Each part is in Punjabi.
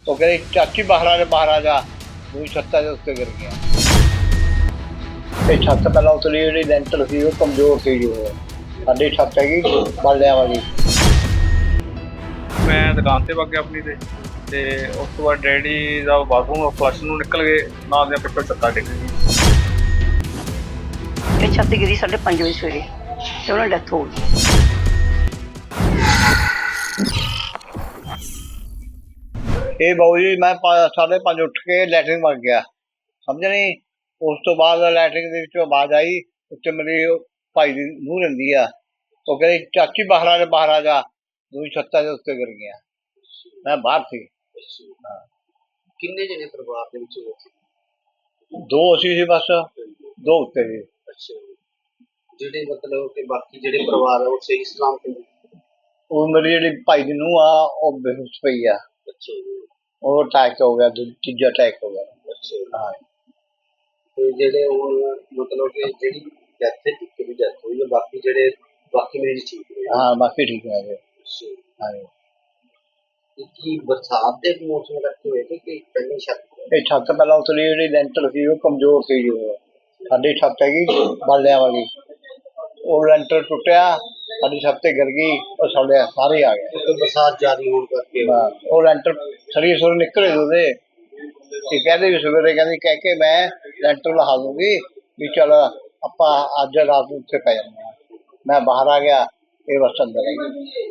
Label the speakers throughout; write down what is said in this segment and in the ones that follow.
Speaker 1: ਉਹ ਕਹਿੰਦੀ ਚਾਚੀ ਬਾਹਰ ਆ ਜਾ, ਦੂਜੀ ਛੱਤਾਂ ਦੇ ਉੱਤੇ ਗਿਰ ਗਿਆ। ਇਹ ਛੱਤ ਪਹਿਲਾਂ ਉਤਲੀ ਜਿਹੜੀ ਲੈਂਟਰ ਸੀ ਉਹ ਕਮਜ਼ੋਰ ਸੀ ਜੀ। ਸਾਡੀ ਛੱਤ ਹੈਗੀ ਬਾਲਿਆਂ ਵਾਲੀ।
Speaker 2: ਮੈਂ ਦੁਕਾਨ ਤੇ ਵਗ ਗਿਆ ਆਪਣੀ ਤੇ ਉਸ ਤੋਂ ਬਾਅਦ ਡੈਡੀ ਦਾ ਬਾਥਰੂਮ ਫਲਸ਼ ਨੂੰ ਨਿਕਲ ਗਏ, ਨਾਲ ਦੀਆਂ ਪਿੱਛੋਂ ਛੱਤਾਂ ਡਿੱਗ ਗਈ।
Speaker 3: ਇਹ ਛੱਤ ਗਿਰੀ 5:30 ਵਜੇ ਸਵੇਰੇ ਤੇ ਉਹਨਾਂ ਦੀ ਡੈਥ ਹੋ ਗਈ।
Speaker 1: ਇਹ ਬਾਊ ਜੀ ਮੈਂ 5:30 ਉੱਠ ਕੇ ਲੈਟਰਿੰਗ ਵਗ ਗਿਆ, ਸਮਝ ਨਹੀਂ। ਉਸ ਤੋਂ ਬਾਅਦ ਲੈਟਰਿੰਗ ਦੇ ਵਿੱਚੋਂ ਆਵਾਜ਼ ਆਈ, ਉੱਤੇ ਮੇਰੀ ਭਾਈ ਦੀ ਨੂੰਹ ਰਹਿੰਦੀ ਆ। ਉਹ ਕਹਿੰਦੀ ਚਾਚੀ ਬਾਹਰ ਆ ਜਾ, ਦੂਜੀ ਛੱਤਾਂ ਦੇ ਉੱਤੇ ਗਿਰ ਗਿਆ। ਮੈਂ ਬਾਹਰ ਸੀ।
Speaker 4: ਕਿੰਨੇ ਜਣੇ ਪਰਿਵਾਰ ਦੇ ਵਿੱਚ ਹੋਏ ਸੀ?
Speaker 1: 2 ਅਸੀਂ ਸੀ ਬਸ, 2 ਉੱਤੇ ਸੀ।
Speaker 4: ਅੱਛਾ, ਜਿਹੜੇ ਮਤਲਬ ਕਿ ਬਾਕੀ ਜਿਹੜੇ ਪਰਿਵਾਰ ਆ ਉਹ ਸਹੀ ਸਲਾਮਤ ਨੇ?
Speaker 1: ਉਹ ਮੇਰੀ ਜਿਹੜੀ ਭਾਈ ਦੀ ਨੂੰਹ ਆ ਉਹ ਬੇਹੋਸ਼ ਪਈ ਆ।
Speaker 4: ਅੱਛਾ ਜੀ।
Speaker 1: ਉਹ ਅਟੈਕ ਹੋ ਗਿਆ, ਤੀਜਾ ਅਟੈਕ ਹੋ ਗਿਆ।
Speaker 4: ਅੱਛਾ ਜੀ।
Speaker 1: ਹਾਂ।
Speaker 4: ਤੇ ਜਿਹੜੇ ਉਹ ਮਤਲਬ ਕਿ ਜਿਹੜੀ ਡੈਥ ਦੀ ਡੈਥ ਹੋਈ ਹੈ, ਬਾਕੀ ਮਰੀਜ਼ ਠੀਕ ਨੇ?
Speaker 1: ਹਾਂ ਬਾਕੀ ਠੀਕ ਹੈ ਜੀ।
Speaker 4: ਅੱਛਾ ਜੀ।
Speaker 1: ਹਾਂ।
Speaker 4: ਤੇ ਕੀ ਬਰਸਾਤ ਦੇ ਮੌਸਮ ਕਰਕੇ ਹੋਏ ਤੇ ਕਿ ਪਹਿਲੀ ਛੱਤ?
Speaker 1: ਇਹ ਛੱਤ ਪਹਿਲਾਂ ਉਤਲੀ ਜਿਹੜੀ ਲੈਂਟਰ ਸੀ ਉਹ ਕਮਜ਼ੋਰ ਸੀ ਜੀ। ਸਾਡੀ ਛੱਤ ਹੈਗੀ ਬਾਲਿਆਂ ਵਾਲੀ। ਉਹ ਲੈਂਟਰ ਟੁੱਟਿਆ, ਸਾਡੀ ਛੱਤ ਤੇ ਗਿਰ ਗਈ, ਉਹ ਸਾਰੇ ਆ ਗਏ।
Speaker 4: ਬਰਸਾਤ ਜ਼ਿਆਦਾ ਹੋਣ ਕਰਕੇ
Speaker 1: ਉਹ ਲੈਂਟਰ ਸਰੀਰ ਸੁਰ ਨਿਕਲੇ ਉਹਦੇ। ਇਹ ਕਹਿੰਦੇ ਵੀ ਸਵੇਰੇ ਕਹਿ ਕੇ ਮੈਂ ਲੈਂਟਰ ਲਹਾ ਦੂੰਗੀ ਵੀ ਚੱਲ ਆਪਾਂ ਅੱਜ ਰਾਤ ਨੂੰ ਉੱਥੇ ਪੈ ਜਾਂਦੇ ਹਾਂ। ਮੈਂ ਬਾਹਰ ਆ ਗਿਆ, ਇਹ ਬਸ ਅੰਦਰ ਹੈ।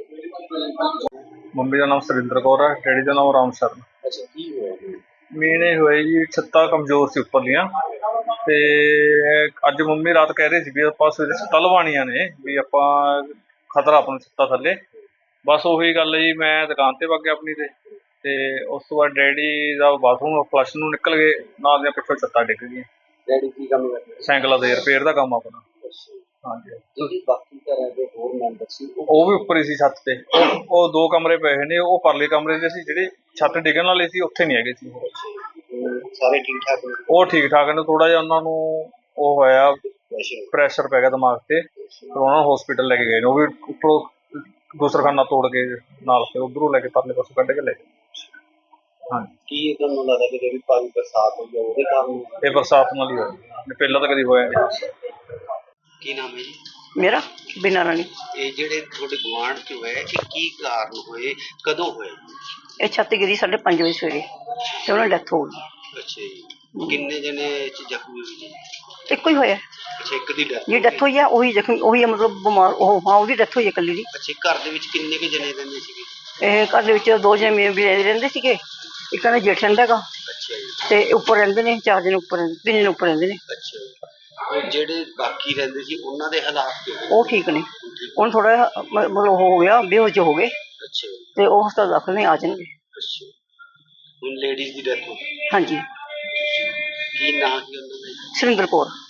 Speaker 2: ਮੰਮੀ ਦਾ ਨਾਮ ਸੁਰਿੰਦਰ ਕੌਰ ਹੈ, ਡੈਡੀ ਦਾ ਨਾਮ ਰਾਮ ਸ਼ਰਨ।
Speaker 4: ਅੱਛਾ, ਕੀ ਹੋਇਆ?
Speaker 2: ਮੇਨ ਇਹ ਹੋਇਆ ਜੀ, ਛੱਤਾਂ ਕਮਜ਼ੋਰ ਸੀ ਉੱਪਰਲੀਆਂ, ਤੇ ਅੱਜ ਮੰਮੀ ਰਾਤ ਕਹਿ ਰਹੇ ਸੀ ਵੀ ਆਪਾਂ ਸਵੇਰੇ ਛੱਤਾਂ ਲਵਾਉਣੀਆਂ ਨੇ, ਵੀ ਆਪਾਂ ਖਤਰਾ ਆਪਣੀ ਛੱਤਾਂ ਥੱਲੇ। ਬਸ ਉਹੀ ਗੱਲ ਜੀ, ਮੈਂ ਦੁਕਾਨ ਤੇ ਵਗ ਗਿਆ ਆਪਣੀ ਤੇ ਉਸ ਤੋਂ ਬਾਅਦ ਡੈਡੀ ਦਾ ਬਾਥਰੂਮ ਫਲਸ਼ ਨੂੰ ਨਿਕਲ ਗਏ, ਨਾਲ ਦੀਆਂ ਪਿੱਛੋਂ ਛੱਤਾਂ ਡਿੱਗ ਗਈਆਂ।
Speaker 4: ਡੈਡੀ ਕੀ ਕੰਮ ਕਰਦੇ?
Speaker 2: ਸਾਈਕਲਾਂ ਦੇ ਰਿਪੇਅਰ ਦਾ ਕੰਮ ਆਪਣਾ।
Speaker 4: ਅੱਛਾ।
Speaker 2: ਹਾਂਜੀ।
Speaker 4: ਜਿਹੜੀ ਬਾਕੀ ਘਰਾਂ ਦੇ ਹੋਰ ਮੈਂਬਰ ਸੀ
Speaker 2: ਉਹ ਵੀ ਉੱਪਰ ਹੀ ਸੀ ਛੱਤ ਤੇ। ਉਹ 2 ਕਮਰੇ ਪਏ ਨੇ, ਉਹ ਪਰਲੇ ਕਮਰੇ ਦੇ ਸੀ। ਜਿਹੜੇ ਛੱਤ ਡਿੱਗਣ ਵਾਲੇ ਸੀ ਉੱਥੇ ਨਹੀਂ ਹੈਗੇ ਸੀ।
Speaker 4: ਸਾਰੇ ਠੀਕ ਠਾਕ ਨੇ?
Speaker 2: ਉਹ ਠੀਕ ਠਾਕ ਨੇ, ਥੋੜਾ ਜਿਹਾ ਉਹਨਾਂ ਨੂੰ ਉਹ ਹੋਇਆ, ਪ੍ਰੈਸ਼ਰ ਪੈ ਗਿਆ ਦਿਮਾਗ ਤੇ, ਫਿਰ ਉਹਨਾਂ ਨੂੰ ਹਸਪੀਟਲ ਲੈ ਕੇ ਗਏ ਨੇ। ਉਹ ਵੀ ਉੱਪਰੋਂ ਗੁਸਲਖਾਨਾ ਤੋੜ ਕੇ ਨਾਲ, ਫਿਰ ਉੱਧਰੋਂ ਲੈ ਕੇ ਪਰਲੇ ਪਾਸੋਂ ਕੱਢ ਕੇ ਲੈ ਗਏ। ਹਾਂਜੀ।
Speaker 4: ਕੀ ਤੁਹਾਨੂੰ ਲੱਗਦਾ ਕਿ ਜਿਹੜੀ ਭਾਰੀ ਬਰਸਾਤ ਹੋਈ ਹੈ ਉਹਦੇ ਕਾਰਨ?
Speaker 2: ਇਹ ਬਰਸਾਤ ਨਾਲ ਹੀ ਹੋਇਆ, ਪਹਿਲਾਂ ਤਾਂ ਕਦੀ ਹੋਇਆ ਨਹੀਂ।
Speaker 4: ਕੀ ਨਾਮ ਹੈ ਜੀ?
Speaker 3: ਮੇਰਾ ਬਿਨਾਂ ਰਾਣੀ।
Speaker 4: ਇਹ ਜਿਹੜੇ ਤੁਹਾਡੇ ਗੁਆਂਢ ਚ ਹੋਏ, ਇਹ ਕੀ ਕਾਰਨ ਹੋਏ, ਕਦੋਂ ਹੋਏ?
Speaker 3: ਇਹ ਛੱਤ ਗਿਰੀ 5:30 ਵਜੇ ਸਵੇਰੇ ਤੇ ਉਹਨਾਂ ਦੀ ਡੈਥ ਹੋ ਗਈ।
Speaker 4: ਅੱਛਾ ਜੀ। ਕਿੰਨੇ ਜਣੇ ਜ਼ਖਮੀ ਹੋਏ ਜੀ?
Speaker 3: ਇੱਕੋ ਹੀ ਹੋਇਆ
Speaker 4: ਅੱਛਾ, ਇੱਕ ਦੀ ਡੈਥ?
Speaker 3: ਜੀ ਡੈਥ ਹੋਈ ਆ, ਉਹੀ ਜ਼ਖਮੀ, ਉਹੀ ਮਤਲਬ ਬਿਮਾਰ। ਉਹ ਹਾਂ, ਉਹਦੀ ਡੈਥ ਹੋਈ ਹੈ ਇਕੱਲੀ ਦੀ।
Speaker 4: ਅੱਛਾ, ਘਰ ਦੇ ਵਿੱਚ ਕਿੰਨੇ ਕੁ ਜਣੇ ਰਹਿੰਦੇ ਸੀਗੇ?
Speaker 3: ਇਹ ਘਰ ਦੇ ਵਿੱਚ 2 ਜਣੇ ਰਹਿੰਦੇ ਸੀਗੇ, ਇੱਕ ਦਾ ਜੇਠ ਰਹਿੰਦਾ ਹੈਗਾ,
Speaker 4: ਅੱਛਾ ਜੀ।
Speaker 3: ਤੇ ਉੱਪਰ ਰਹਿੰਦੇ ਨੇ 4 ਜਣੇ, ਉੱਪਰ 3 ਜਣੇ ਉੱਪਰ ਰਹਿੰਦੇ ਨੇ।
Speaker 4: ਅੱਛਾ ਜੀ। ਉਹ ਜਿਹੜੇ ਬਾਕੀ ਰਹਿੰਦੇ ਸੀ ਉਹਨਾਂ ਦੇ ਹਾਲਾਤ ਕਿਵੇਂ?
Speaker 3: ਉਹ ਠੀਕ ਨੇ। ਹੁਣ ਥੋੜਾ ਮਤਲਬ ਹੋ ਗਿਆ, ਬੇਹੋਸ਼ ਹੋ ਗਏ,
Speaker 4: ਅੱਛਾ ਜੀ।
Speaker 3: ਤੇ ਉਹ ਹਸਪਤਾਲ ਦਾਖਲ ਨੇ, ਆ ਜਾਣਗੇ।
Speaker 4: ਅੱਛਾ, ਹੁਣ ਲੇਡੀਜ਼ ਦੀ ਡੈਥ ਹੋ ਗਈ?
Speaker 3: ਹਾਂਜੀ।
Speaker 4: ਕੀ ਨਾਂ ਸੀ ਉਹਨਾਂ ਦਾ?
Speaker 3: ਸੁਰਿੰਦਰ ਕੌਰ।